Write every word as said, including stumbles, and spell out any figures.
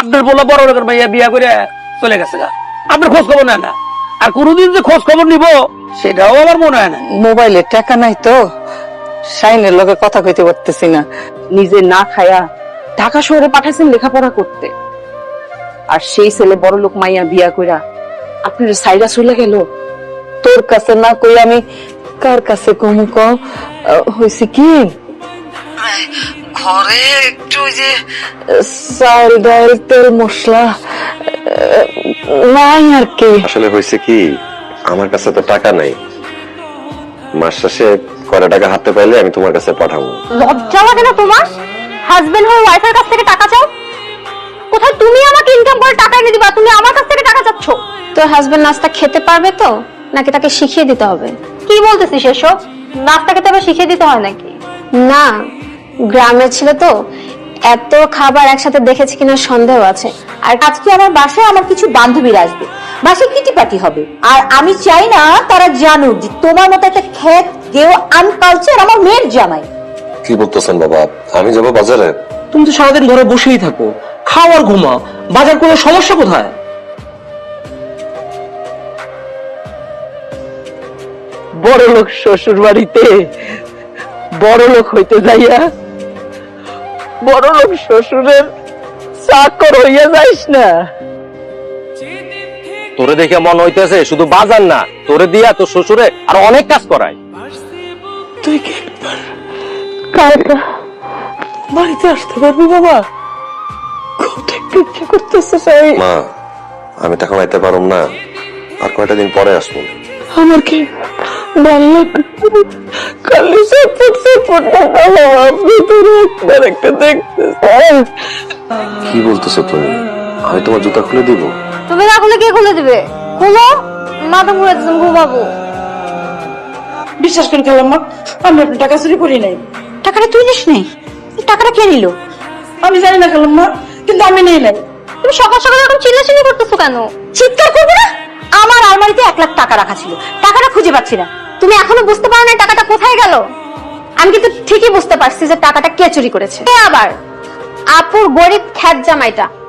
আপনার বলা বড় লোকের মাইয়া বিয়া করে চলে গেছে গা, আপনার খোঁজ খবর নেয় না। আর কোনোদিন যে খোঁজ খবর নিব সেটাও আমার মনে হয় না। মোবাইলে টাকা নাই তো, শাইনের লগে কথা কইতে পারতেছি না। নিজে না খায়া ঢাকা শহরে পাঠাইছেন লেখাপড়া করতে, আর সেই ছেলে বড় লোক মাইয়া বিয়া কইরা আপনার সাইরা চলে গেল। তোর কাছে না কই আমি কার কাছে কম ক? হয়েছে কি, ঘরে একটু যে চাল ডাল তেল মশলা নাই আর কি। আসলে হয়েছে কি, আমার কাছে তো টাকা নাই, মাস শেষে কয়টা টাকা হাতে পাইলে আমি তোমার কাছে পাঠাবো। লজ্জা লাগে না তোমার? হাজবেন্ড হয়ে ওয়াইফের কাছ থেকে টাকা চাও? কোথায় তুমি আমাকে ইনকাম করে টাকা এনে দিবা, তুমি আমার কাছ থেকে টাকা চাচ্ছ? তোর হাজবেন্ড নাস্তা খেতে পারবে তো, নাকি তাকে শিখিয়ে দিতে হবে? কি বলতেছিস এসব? নাস্তা খেতে আবার শিখিয়ে দিতে হয় নাকি? না, গ্রামের ছিল তো, এত খাবার একসাথে দেখেছি কিনা সন্দেহ আছে। আর আজকে আমার বাসায় আমার কিছু বান্ধবীরা আসবে, বাসায় কিটি পার্টি হবে, আর আমি চাই না তারা জানুক যে তোমার মতো একটা খেত কেউ আনকালচার আমার মেয়ের জামাই। কি বলতেছেন বাবা, আমি যাবো বাজারে? তুমি তো সারাদিন ঘরে বসেই থাকো, খাও আর ঘুমাও, বাজার কোনো সমস্যা কোথায়? বড় লোক শ্বশুর বাড়িতে বড় লোক হইতে যাইয়া বড় লোক শ্বশুরের চাকর হইয়া যাইস না। তোরে দেখে মন হইতেছে শুধু বাজার না, তোরে দিয়া তোর শ্বশুরে আর অনেক কাজ করায়। তুই কি একবার কালকা বাড়িতে আসতে পারবি বাবা? খুব দেখতে ইচ্ছে করতেছে। চাই মা, আমি তো এখন আইতে পারুম না, আর কয়টা দিন পরে আসবো। আমার কি ভালো লাগে খালি সাপোর্ট সাপোর্ট আপনি তোর একবার একটা দেখতে চাই। কি বলতেছো তুমি? আমি তোমার জুতা খুলে দিব? তুমি না খুলে কে খুলে দিবে? খুলো, মাথা ঘুরে দিতাম ঘুমাবো। বিশ্বাস করে খেলাম মা, আমি আপনার টাকা চুরি করি নাই। টাকাটা তুই নিস নেই? টাকাটা কে নিল? আমি জানি না খেলাম মা, কিন্তু আমি নেই নাই। তুমি সকাল সকাল এরকম চিল্লাচিল্লি করতেছো কেন? চিৎকার করবে না? আমার আলমারিতে এক লাখ টাকা রাখা ছিল, টাকাটা খুঁজে পাচ্ছি না। তুমি এখনো বুঝতে পারো না টাকাটা কোথায় গেল? আমি কিন্তু ঠিকই বুঝতে পারছি যে টাকাটা কে চুরি করেছে। আবার আপুর গরিব খ্যাত জামাইটা